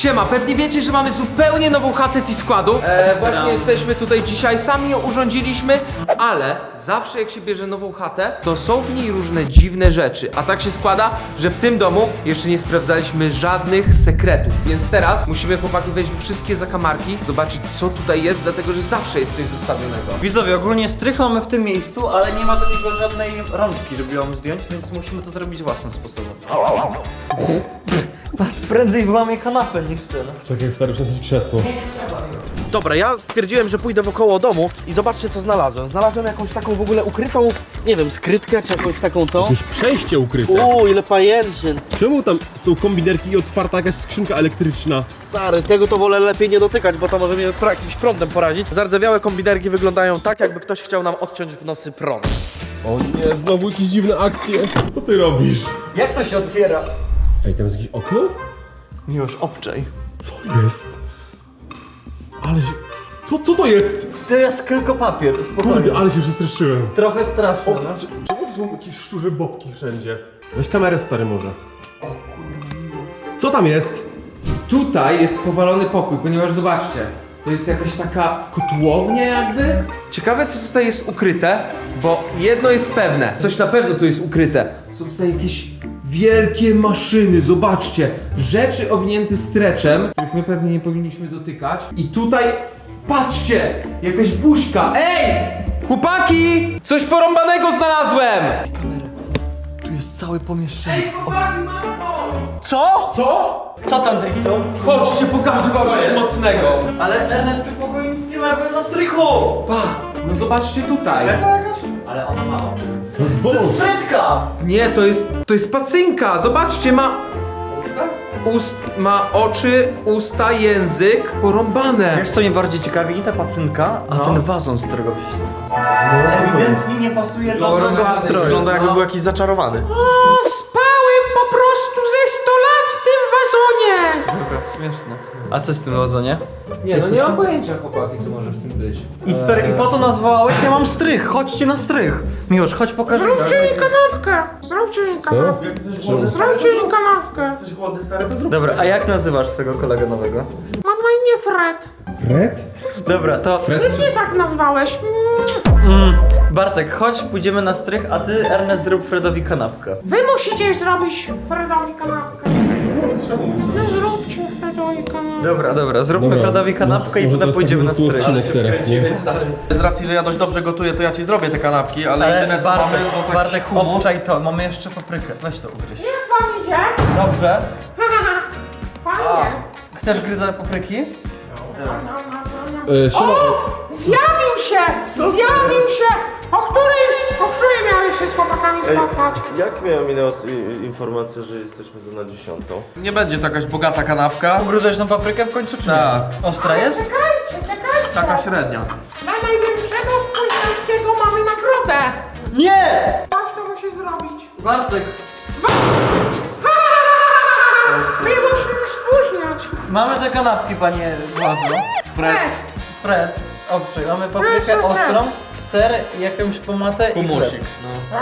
Siema, pewnie wiecie, że mamy zupełnie nową chatę T-Składu. Właśnie jesteśmy tutaj dzisiaj, sami ją urządziliśmy, ale zawsze jak się bierze nową chatę, to są w niej różne dziwne rzeczy. A tak się składa, że w tym domu jeszcze nie sprawdzaliśmy żadnych sekretów. Więc teraz musimy, chłopaki, wejść w wszystkie zakamarki, zobaczyć, co tutaj jest, dlatego że zawsze jest coś zostawionego. Widzowie, ogólnie strych mamy w tym miejscu, ale nie ma do niego żadnej rączki, żeby ją zdjąć, więc musimy to zrobić własnym sposobem. Prędzej wyłamie kanapę niż ten. Tak jak stary przez krzesło. Dobra, ja stwierdziłem, że pójdę wokoło domu i zobaczcie, co znalazłem. Znalazłem jakąś taką w ogóle ukrytą, nie wiem, skrytkę czy jakąś taką to. Jakieś przejście ukryte. Ile pajęczyn. Czemu tam są kombinerki i otwarta jakaś skrzynka elektryczna? Stary, tego to wolę lepiej nie dotykać, bo to może mnie jakimś prądem porazić. Zardzewiałe kombinerki wyglądają tak, jakby ktoś chciał nam odciąć w nocy prąd. O nie, znowu jakieś dziwne akcje. Co ty robisz? Jak to się otwiera? Ej, tam jest jakieś okno? Miłosz, obczaj. Co jest? Ale się... Co to jest? To jest tylko papier, spokojnie. Kurde, ale się przestraszyłem. Trochę straszne, O, no. czemu to są jakieś szczurze bobki wszędzie? Weź kamerę, stary, może. O kurde. Co tam jest? Tutaj jest powalony pokój, ponieważ zobaczcie, to jest jakaś taka kotłownia jakby. Ciekawe, co tutaj jest ukryte, bo jedno jest pewne, coś na pewno tu jest ukryte. Są tutaj jakieś wielkie maszyny, zobaczcie, rzeczy owinięte streczem, których my pewnie nie powinniśmy dotykać. I tutaj, patrzcie, jakaś buźka. Ej! Chłopaki! Coś porąbanego znalazłem! Tu jest całe pomieszczenie. Ej, chłopaki, mamo! Co? Co? Co tam, Dixon? Chodźcie, pokażę wam coś mocnego. Ale Ernest, w tym pokoju nic nie ma, ja byłem na strychu! Pa, no zobaczcie tutaj. Ale ona ma oczy. To jest To jest wąż. frytka! Nie, to jest pacynka. Zobaczcie, ma ma oczy, usta, język porąbane. Wiesz co mnie bardziej ciekawi? Nie ta pacynka, a ten wazon, z którego wziąć tą pacynkę. Ewidentnie nie pasuje do Porąbany. stroju. Wygląda jakby był jakiś zaczarowany. O, spałem po prostu ze 100 lat w tym wazonie. Dobra, śmieszne. A co z tym wazonie? Nie, no nie mam pojęcia, chłopaki, co może w tym być. I stary, i po to nazwałeś? Ja mam strych, chodźcie na strych. Miłosz, chodź pokażę. Zróbcie mi kanapkę! Zróbcie mi kanapkę! Zróbcie mi kanapkę! Jesteś głodny, stary, to zrób. Dobra, a jak nazywasz swojego kolegę nowego? Mam na imię Fred. Fred? Dobra, to Ty mnie tak nazwałeś. Bartek, chodź, pójdziemy na strych, a ty, Ernest, zrób Fredowi kanapkę. Wy musicie zrobić Fredowi kanapkę. No zróbcie Fredowi kanapkę. Dobra, zróbmy Fredowi kanapkę i Może potem to pójdziemy na jest taki strych. odcinek teraz, nie? Stary. Z racji, że ja dość dobrze gotuję, to ja ci zrobię te kanapki, ale Ale jedyne co Bartek, mamy, to taki Bartek, humus. obczaj to, mamy jeszcze paprykę. Weź to ugryź. Jak wam idzie? Dobrze. Fajnie. Chcesz gryzę papryki? Siema. Zjawił się! O której miałeś się z chłopakami spotkać? Jak miałem informację, że jesteśmy tu na 10? Nie będzie to jakaś bogata kanapka. Ugryzłeś tą paprykę w końcu, czy nie? Tak. Ostra jest? Czekajcie! Taka średnia. Dla największego z Polskiego mamy nagrodę! Nie! Patrz, to musi zrobić. Bartek, My musimy spóźniać. mamy te kanapki, panie władzo. Fred, obczaj, mamy paprykę Proszę, ostrą, ser, jakąś pomatę i Humusik. chleb. No.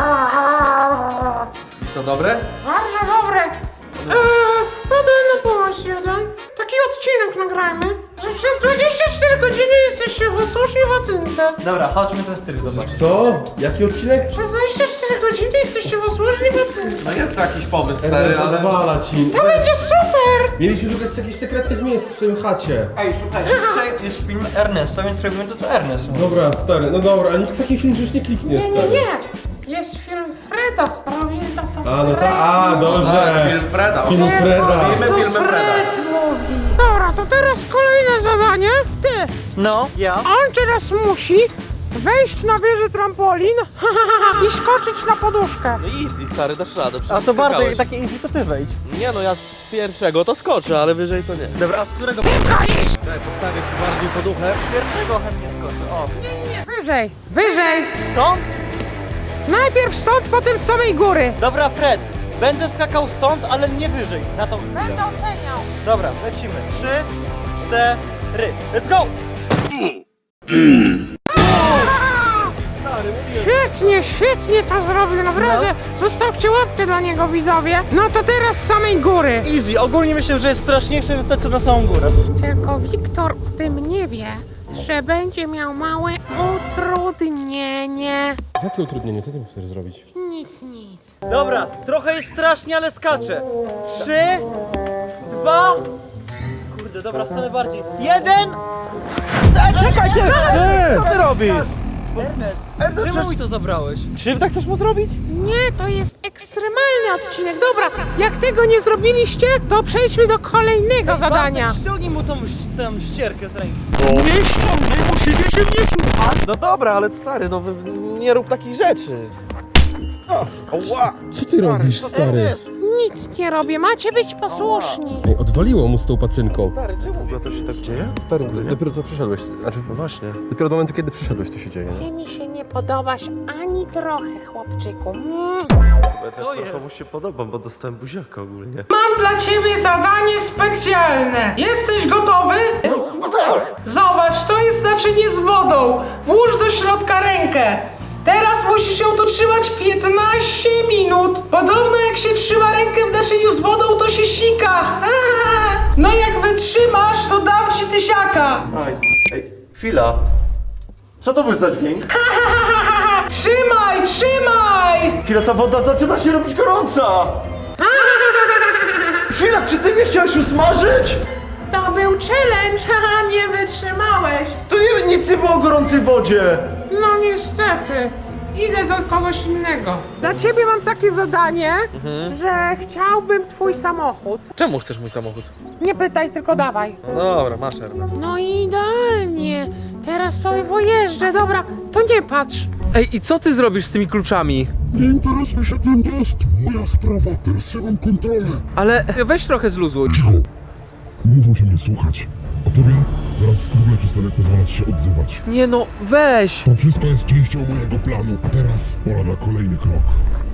I co, dobre? Bardzo dobre. Wpadę na pomoc jeden. Taki odcinek nagrajmy, że przez 24 godziny jesteście posłuszni w ocynce. Dobra, chodźmy ten strych zobacz. Co? Jaki odcinek? Przez 24 godziny jesteście posłuszni w ocynce. No jest to jakiś pomysł, stary, ale... Zwala ci. To będzie super! Mieliśmy szukać jakichś sekretnych miejsc w tym chacie. Ej, słuchaj, dzisiaj jest film Ernesta, więc robimy to, co Ernest mówi. Dobra, stary, no dobra, ale nikt w taki film już nie kliknie, Nie, stary. nie, nie. Jest film Freda. Robimy to, co A, no Fred tak, a, mówi. dobrze. Tak, film Freda. Film Freda. Filmy Co Freda. Fred mówi. Dobra, to teraz kolejne zadanie. Ty, No, ja? on teraz musi wejść na wieżę trampolin i skoczyć na poduszkę. No easy, stary, dasz radę, A przecież to Bartek, skakałeś. takie easy to ty wejdź. Nie no, ja z pierwszego to skoczę, ale wyżej to nie. Dobra, a z którego? Wchodzisz! Postawię ci bardziej poduchę. Pierwszego chętnie skoczę, o. Nie, wyżej, wyżej. Stąd? Najpierw stąd, potem z samej góry. Dobra, Fred, będę skakał stąd, ale nie wyżej, na tą chwilę. Będę oceniał. Dobra, lecimy. 3, 4, let's go! Shit! świetnie to zrobił, naprawdę. Zostawcie łapkę dla niego, widzowie. No to teraz z samej góry. Easy, ogólnie myślę, że jest straszniejsze, więc lecę na samą górę. Tylko Wiktor o tym nie wie, że będzie miał małe utrudnienie. Jakie utrudnienie? Co ty chcesz zrobić? Nic. Dobra, trochę jest strasznie, ale skaczę. 3, 2... Kurde, dobra, stanę bardziej. 1! Czekajcie! Co ty robisz? Ernest, czemu mi to zabrałeś? Krzywdę chcesz mu zrobić? Nie, to jest ekstremalny odcinek. Dobra, jak tego nie zrobiliście, to przejdźmy do kolejnego zadania. Bartek, ściągnij mu tą ścierkę z ręki. No dobra, ale stary, no nie rób takich rzeczy. Co ty robisz, stary? Nic nie robię, macie być posłuszni. Ej, odwaliło mu z tą pacynką. Stary, czemu To się tak dzieje? Stary, dopiero co przyszedłeś. Znaczy, Właśnie. dopiero do momentu, kiedy przyszedłeś, to się dzieje. Nie? Ty mi się nie podobasz ani trochę, chłopczyku. Ja tak trochę mu się podobam, bo dostałem buziaka ogólnie. Mam dla ciebie zadanie specjalne. Jesteś gotowy? No tak. Zobacz, to jest naczynie z wodą. Włóż do środka rękę. Teraz musisz ją tu trzymać 15 minut. Podobno jak się trzyma rękę w naczyniu z wodą, to się sika. No jak wytrzymasz, to dam ci tysiaka. Nice. Ej, chwila. Co to był za dźwięk? Trzymaj, trzymaj! Chwila, ta woda zaczyna się robić gorąca! Chwila, czy ty mnie chciałeś usmażyć? To był challenge, haha, nie wytrzymałeś. To nic nie było o gorącej wodzie! No niestety. Idę do kogoś innego. Dla ciebie mam takie zadanie, że chciałbym twój samochód. Czemu chcesz mój samochód? Nie pytaj, tylko dawaj. No dobra, masz Ernest. No idealnie. Teraz sobie pojeżdżę, dobra, to nie patrz. Ej, i co ty zrobisz z tymi kluczami? Nie interesuj się tym, to jest moja sprawa, teraz ja mam kontrolę. Ale weź trochę zluzuj. Cicho! Mówią się mnie słuchać. A tobie zaraz w ogóle przestanę pozwalać się odzywać. Nie no, weź. To wszystko jest częścią mojego planu. A teraz pora na kolejny krok.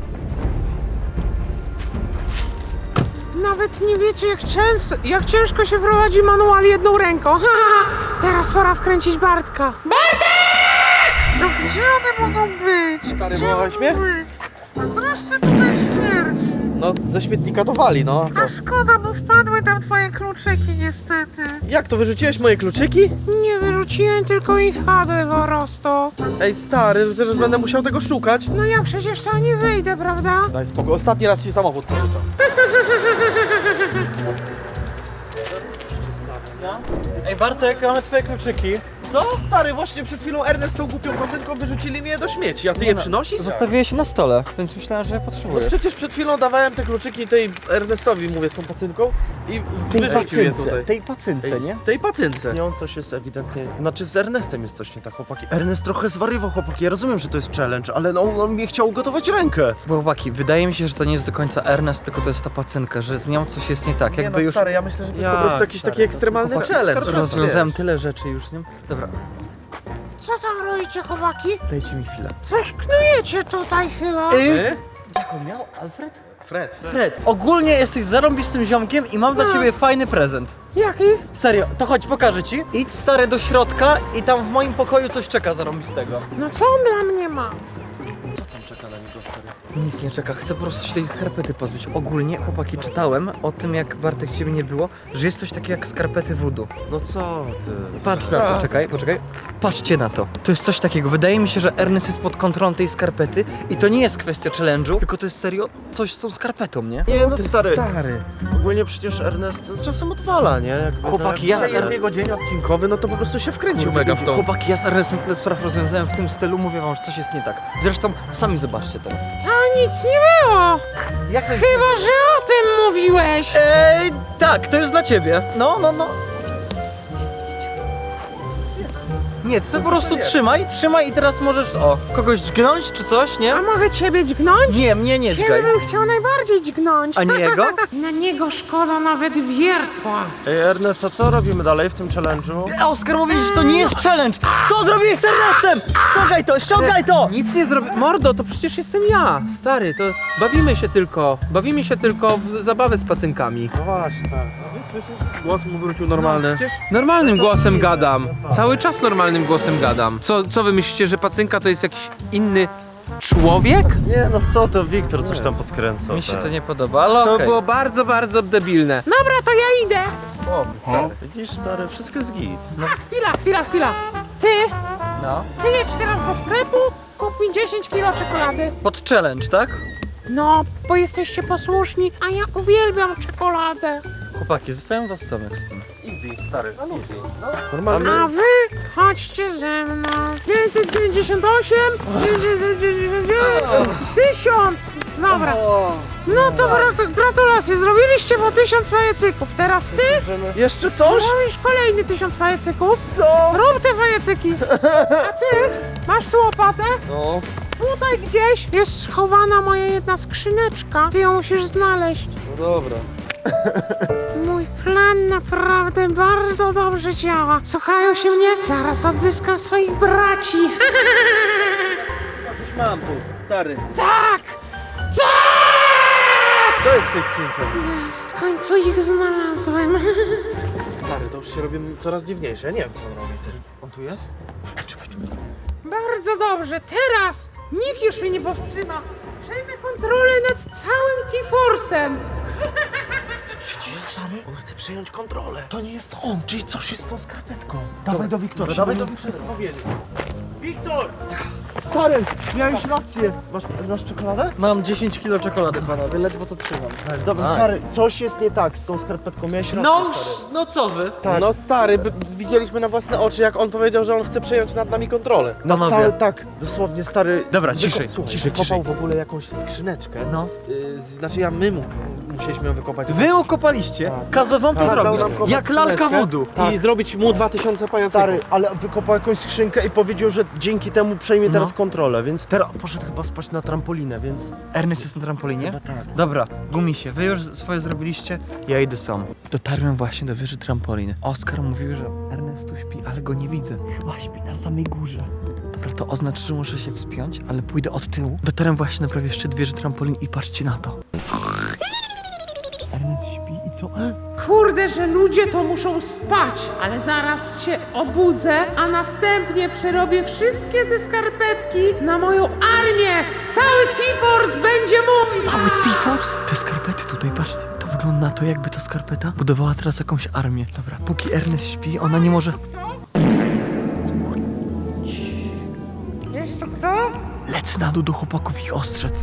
Nawet nie wiecie, jak ciężko się prowadzi manual jedną ręką. Ha, ha, ha. Teraz pora wkręcić Bartka. Bartek! No gdzie one mogą być? Stary, Gdzie wołałeś mogą mnie? być? Strasznie tutaj śmierć. No, ze śmietnika to wali, no. Co? A szkoda, bo wpadły tam twoje kluczyki niestety. Jak to, wyrzuciłeś moje kluczyki? Nie wyrzuciłem, tylko i wpadły po prostu. Ej, stary, teraz będę musiał tego szukać. No ja przecież tam nie wyjdę, prawda? Daj spokój, ostatni raz ci samochód pożyczam. Ej Bartek, mamy twoje kluczyki. Co? Stary, właśnie przed chwilą Ernest tą głupią pacynką wyrzucili mnie do śmieci, a ty je przynosisz? Zostawiłeś je na stole, więc myślałem, że je No potrzebujesz. przecież przed chwilą dawałem te kluczyki tej Ernestowi, mówię, z tą pacynką i wyrzucił je tutaj. tej pacynce, nie? Tej pacynce. Z nią coś jest ewidentnie... Znaczy z Ernestem jest coś nie tak, chłopaki. Ernest trochę zwariował, chłopaki. Ja rozumiem, że to jest challenge, ale no, on mnie chciał ugotować rękę. Bo chłopaki, wydaje mi się, że to nie jest do końca Ernest, tylko to jest ta pacynka, że z nią coś jest nie tak. Nie Jakby no, już stary, ja myślę, że to jest po Jak, prostu jakiś stary? taki ekstremalny Chłopaki, challenge. rozwiązałem wiesz. tyle rzeczy już z nim. Dobra, Co tam robicie, chłopaki? dajcie mi chwilę. Coś knujecie tutaj chyba. My? Jak on miał? Alfred? Fred. Fred, ogólnie jesteś zarąbistym ziomkiem i mam dla ciebie fajny prezent. Jaki? Serio, to chodź, pokażę ci. Idź stary do środka i tam w moim pokoju coś czeka zarąbistego. No co on dla mnie ma? Nic nie czeka, chcę po prostu się tej skarpety pozbyć. Ogólnie, chłopaki, czytałem o tym, jak Bartek ciebie nie było, że jest coś takiego jak skarpety voodoo. No co ty? Patrz na to, poczekaj. Patrzcie na to. To jest coś takiego. Wydaje mi się, że Ernest jest pod kontrolą tej skarpety i to nie jest kwestia challenge'u, tylko to jest serio coś z tą skarpetą, nie? Nie no Ty stary. stary. Ogólnie przecież Ernest czasem odwala, nie? Jakby Chłopaki, no, ja jak Jest jego dzień odcinkowy, no to po prostu się wkręcił mega w tą. Chłopaki, ja z Ernestem tyle spraw rozwiązałem w tym stylu, mówię wam, że coś jest nie tak. Zresztą sami zobaczcie teraz. To nic nie było. Jak to Chyba, że o tym mówiłeś. Tak, to jest dla ciebie. No. Nie, ty po prostu trzymaj i teraz możesz, kogoś dźgnąć czy coś, nie? A mogę ciebie dźgnąć? Nie, mnie nie dźgaj. Ciebie bym chciał najbardziej dźgnąć. A nie jego? Na niego szkoda nawet wiertła. Ej Ernest, a co robimy dalej w tym challenge'u? A Oskar mówi, że to nie jest challenge! Co zrobiłeś z Ernestem? Ściągaj to! Nic nie zrobię. Mordo, to przecież jestem ja, stary, to bawimy się tylko w zabawę z pacynkami. No właśnie, tak. Słyszysz? Głos mu wrócił normalny. Przecież normalnym głosem gadam. Cały czas normalnym głosem gadam. Co wy myślicie, że pacynka to jest jakiś inny człowiek? Nie, no co to, Wiktor coś tam podkręcał. Mi się tak. to nie podoba, ale To okej. było bardzo, bardzo debilne. Dobra, to ja idę. Widzisz, stary, wszystko jest git. Chwila. Ty No. jedź teraz do sklepu, kup mi 10 kilo czekolady. Pod challenge, tak? No, bo jesteście posłuszni, a ja uwielbiam czekoladę. Chłopaki, zostawiam was samych z tym. Easy, stary, easy. Normalnie. A wy chodźcie ze mną. 598, 1000. Dobra. No to gratulacje, zrobiliście po 1000 pajacyków. Teraz ty Jeszcze coś? robisz kolejny 1000 pajacyków. Co? Rób te pajacyki. A ty masz tu łopatę? No. Tutaj gdzieś jest schowana moja jedna skrzyneczka. Ty ją musisz znaleźć. No dobra. Mój plan naprawdę bardzo dobrze działa. Słuchają się mnie? Zaraz odzyskam swoich braci. Coś mam tu, stary. Tak! Co jest w tej skrzynce? W końcu ich znalazłem. Stary, to już się robi coraz dziwniejsze. Ja nie wiem, co on robi. On tu jest? Bardzo dobrze. Teraz nikt już mnie nie powstrzyma. Przejmę kontrolę nad całym T-Force'em. Widzisz, stary? On chce przejąć kontrolę. To nie jest on, czyli coś jest z tą skarpetką. Dawaj do Wiktora, dawaj do Wiktora. Wiktor! Stary, miałeś rację. Masz czekoladę? Mam 10 kilo czekolady, panowie, ledwo to trzymam. Dobra, stary, coś jest nie tak z tą skarpetką. Miałeś rację, No, stary. no co wy? No stary, widzieliśmy na własne oczy, jak on powiedział, że on chce przejąć nad nami kontrolę. Panowie. Cały, tak, dosłownie stary. Dobra, ciszej, Słuchaj, ciszej, wykopał w ogóle jakąś skrzyneczkę. No. Znaczy musieliśmy ją wykopać. Wy ukopaliście? Kazał wam to Kazał zrobić. nam kopać Jak lalka skrzyneczkę. wodu. I zrobić mu 2000 pajacyków. Stary, ale wykopał jakąś skrzynkę i powiedział, że dzięki temu przejmie teraz kontrolę, więc teraz poszedł chyba spać na trampolinę, więc... Ernest jest na trampolinie? tak. Dobra, gumisie, wy już swoje zrobiliście, ja idę sam. Dotarłem właśnie do wieży trampoliny. Oskar mówił, że Ernest tu śpi, ale go nie widzę. Chyba śpi na samej górze. Dobra, to oznacza, że muszę się wspiąć, ale pójdę od tyłu. Dotarłem właśnie na prawie szczyt wieży trampolin i patrzcie na to. Ernest śpi i co? Kurde, że ludzie to muszą spać, ale zaraz się obudzę, a następnie przerobię wszystkie te skarpetki na moją armię. Cały T-Force będzie mój. Cały T-Force? Te skarpety tutaj, patrzcie. To wygląda na to, jakby ta skarpeta budowała teraz jakąś armię. Dobra, póki Ernest śpi, ona nie może... Jest to kto? Lecę na dół do chłopaków ich ostrzec.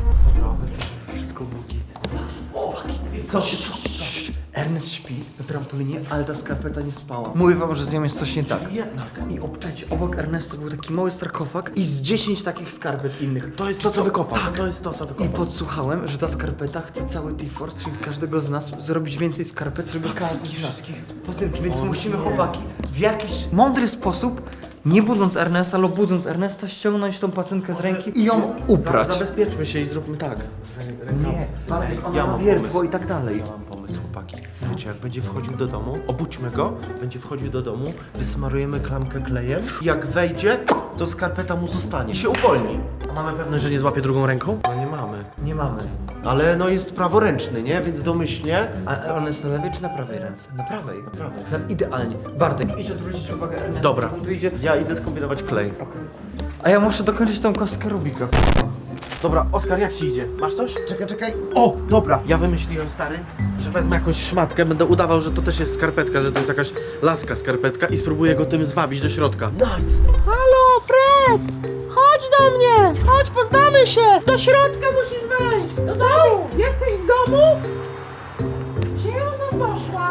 Co? Ernest śpi na trampolinie, ale ta skarpeta nie spała. Mówię wam, że z nią jest coś nie tak. Jednak. I obczajcie, obok Ernesta był taki mały sarkofag i z 10 takich skarpet innych. To jest to, co wykopał. To jest to, co I wykopał. podsłuchałem, że ta skarpeta chce cały T-Force, czyli każdego z nas, zrobić więcej skarpet, żeby każdy z nas. Pazynki, więc musimy chłopaki w jakiś mądry sposób, nie budząc Ernesta, albo budząc Ernesta, ściągnąć tą pacynkę z ręki i ją uprać. Zabezpieczmy się i zróbmy tak. Nie, ona Ja ma mam wiertło pomysł. i tak dalej. Ja mam pomysł, chłopaki. Wiecie, jak będzie wchodził do domu, obudźmy go, będzie wchodził do domu, wysmarujemy klamkę klejem i jak wejdzie, to skarpeta mu zostanie. I się uwolni. A mamy pewność, że nie złapie drugą ręką? No nie mamy. Nie mamy. Ale no jest praworęczny, nie? Więc domyślnie... A on jest na lewej czy na prawej ręce? Na prawej. Na prawej. Idealnie. Bartek, idź odwrócić uwagę Ernesta. Dobra. On tu idzie. Ja idę skombinować klej. A ja muszę dokończyć tą kostkę Rubika. Dobra, Oskar, jak ci idzie? Masz coś? Czekaj. O, dobra. Ja wymyśliłem, stary, że wezmę jakąś szmatkę, będę udawał, że to też jest skarpetka, że to jest jakaś laska skarpetka i spróbuję go tym zwabić do środka. Nice. Halo, Fred! Chodź do mnie! Chodź, poznamy się! Do środka musisz wejść! Do domu! Jesteś w domu? Gdzie ona poszła?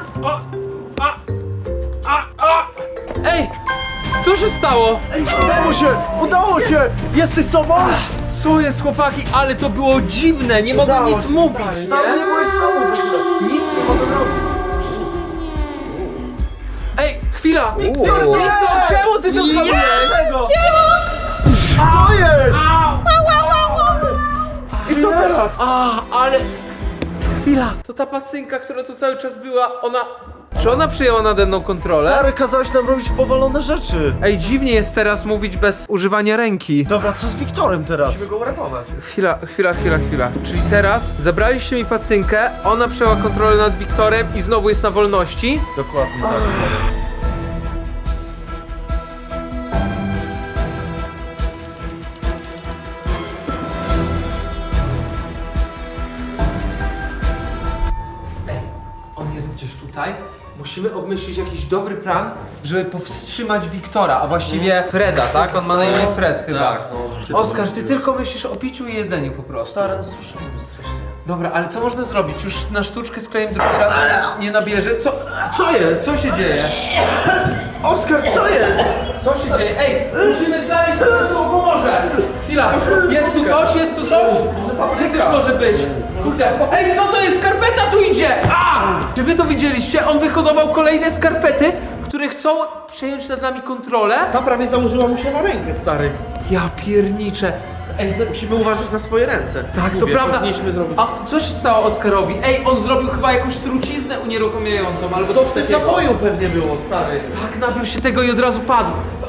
Ej! Co się stało? Udało się! Jesteś sobą? Co jest, chłopaki? Ale to było dziwne, nie mogłem nic mówić, nie? byłeś sobą. Nic nie mogłem robić. Ej, chwila! Wiktor, czemu ty to zrobiłeś? Co jest? I co teraz? A, ale... Chwila, to ta pacynka, która tu cały czas była, ona... Czy ona przyjęła nade mną kontrolę? Stary, kazałeś nam robić powalone rzeczy. Ej, dziwnie jest teraz mówić bez używania ręki. Dobra, co z Wiktorem teraz? Musimy go uratować. Chwila. Czyli teraz zabraliście mi pacynkę, ona przejęła kontrolę nad Wiktorem i znowu jest na wolności. Dokładnie tak. tutaj musimy obmyślić jakiś dobry plan, żeby powstrzymać Wiktora, a właściwie Freda, tak? On ma na imię Fred chyba. Tak, no. Oskar, ty tylko myślisz o piciu i jedzeniu po prostu. Stary, no słyszymy strasznie. Dobra, ale co można zrobić? Już na sztuczkę z klejem drugi raz nie nabierze. Co jest? Co się dzieje? Oskar, co jest? Co się dzieje? Ej, musimy znaleźć kogoś, kto pomoże! Chwila, jest tu coś? Jest tu coś? Gdzie coś może być? Kurde, ej, co to jest? Skarpeta tu idzie! A! Czy wy to widzieliście? On wyhodował kolejne skarpety, które chcą przejąć nad nami kontrolę. Ta prawie założyła mu się na rękę, stary. Ja pierniczę. Ej, Musimy uważać na swoje ręce. tak, to Mówię, prawda. powinniśmy zrobić. A co się stało Oskarowi? Ej, on zrobił chyba jakąś truciznę unieruchamiającą albo coś To w tym takiego. napoju pewnie było, stary. Tak, napił się tego i od razu padł.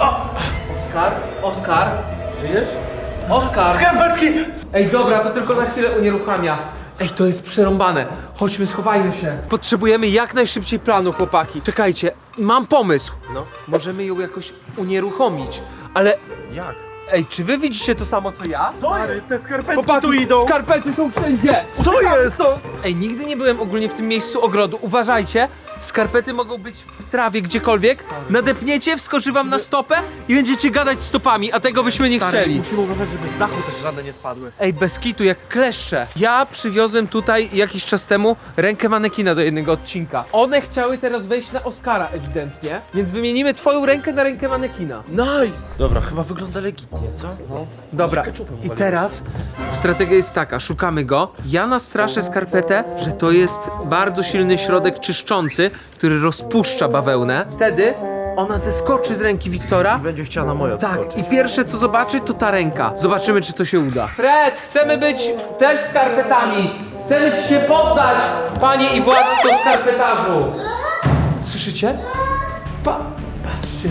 Oskar? Żyjesz? Oskar! Skarpetki! Ej, dobra, to tylko na chwilę unieruchamia. Ej, to jest przerąbane. Chodźmy, schowajmy się. Potrzebujemy jak najszybciej planu, chłopaki. Czekajcie, mam pomysł. No. Możemy ją jakoś unieruchomić, ale... Jak? Ej, czy wy widzicie to samo, co ja? Stary, te skarpetki Chłopaki, tu idą! skarpety są wszędzie! Co jest? Ej, nigdy nie byłem ogólnie w tym miejscu ogrodu. Uważajcie, skarpety mogą być w trawie gdziekolwiek. Nadepniecie, wskoczy wam na stopę i będziecie gadać stopami, a tego byśmy nie chcieli. Musimy uważać, żeby z dachu też żadne nie spadły. Ej, bez kitu, jak kleszcze. Ja przywiozłem tutaj jakiś czas temu rękę manekina do jednego odcinka. One chciały teraz wejść na Oskara ewidentnie, więc wymienimy twoją rękę na rękę manekina. Nice! Dobra, chyba wygląda legitnie, co? No. Dobra, Ketchupem i uwaliłem. teraz strategia jest taka, szukamy go, ja nastraszę skarpetę, że to jest bardzo silny środek czyszczący, który rozpuszcza bawełnę. Wtedy ona zeskoczy z ręki Wiktora. Będzie chciała na moje Tak, i pierwsze co zobaczy, to ta ręka. Zobaczymy, czy to się uda. Fred, chcemy być też skarpetami. Chcemy ci się poddać, panie i władco skarpetarzu. Słyszycie? Patrzcie.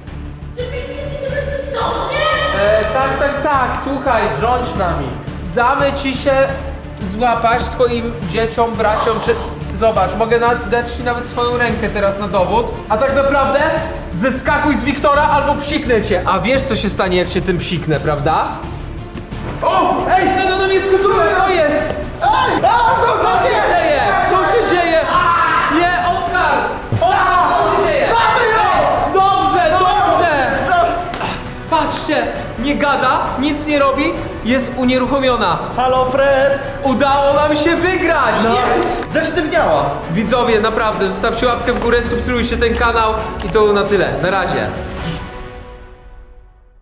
Tak, słuchaj. Rządź nami! Damy ci się złapać twoim dzieciom, braciom, czy... Zobacz, mogę dać ci nawet swoją rękę teraz na dowód. A tak naprawdę zeskakuj z Wiktora albo psiknę cię. A wiesz, co się stanie, jak cię tym psiknę, prawda? O! Ej, będę na mnie skupiony, co jest? Co się dzieje? Co się dzieje? Nie, Oskar! Oskar, co się dzieje? Ej, dobrze! Patrzcie, nie gada, nic nie robi, jest unieruchomiona. Halo, Fred! Udało nam się wygrać! Zesztywniała! Widzowie, naprawdę, zostawcie łapkę w górę, subskrybujcie ten kanał i to na tyle. Na razie.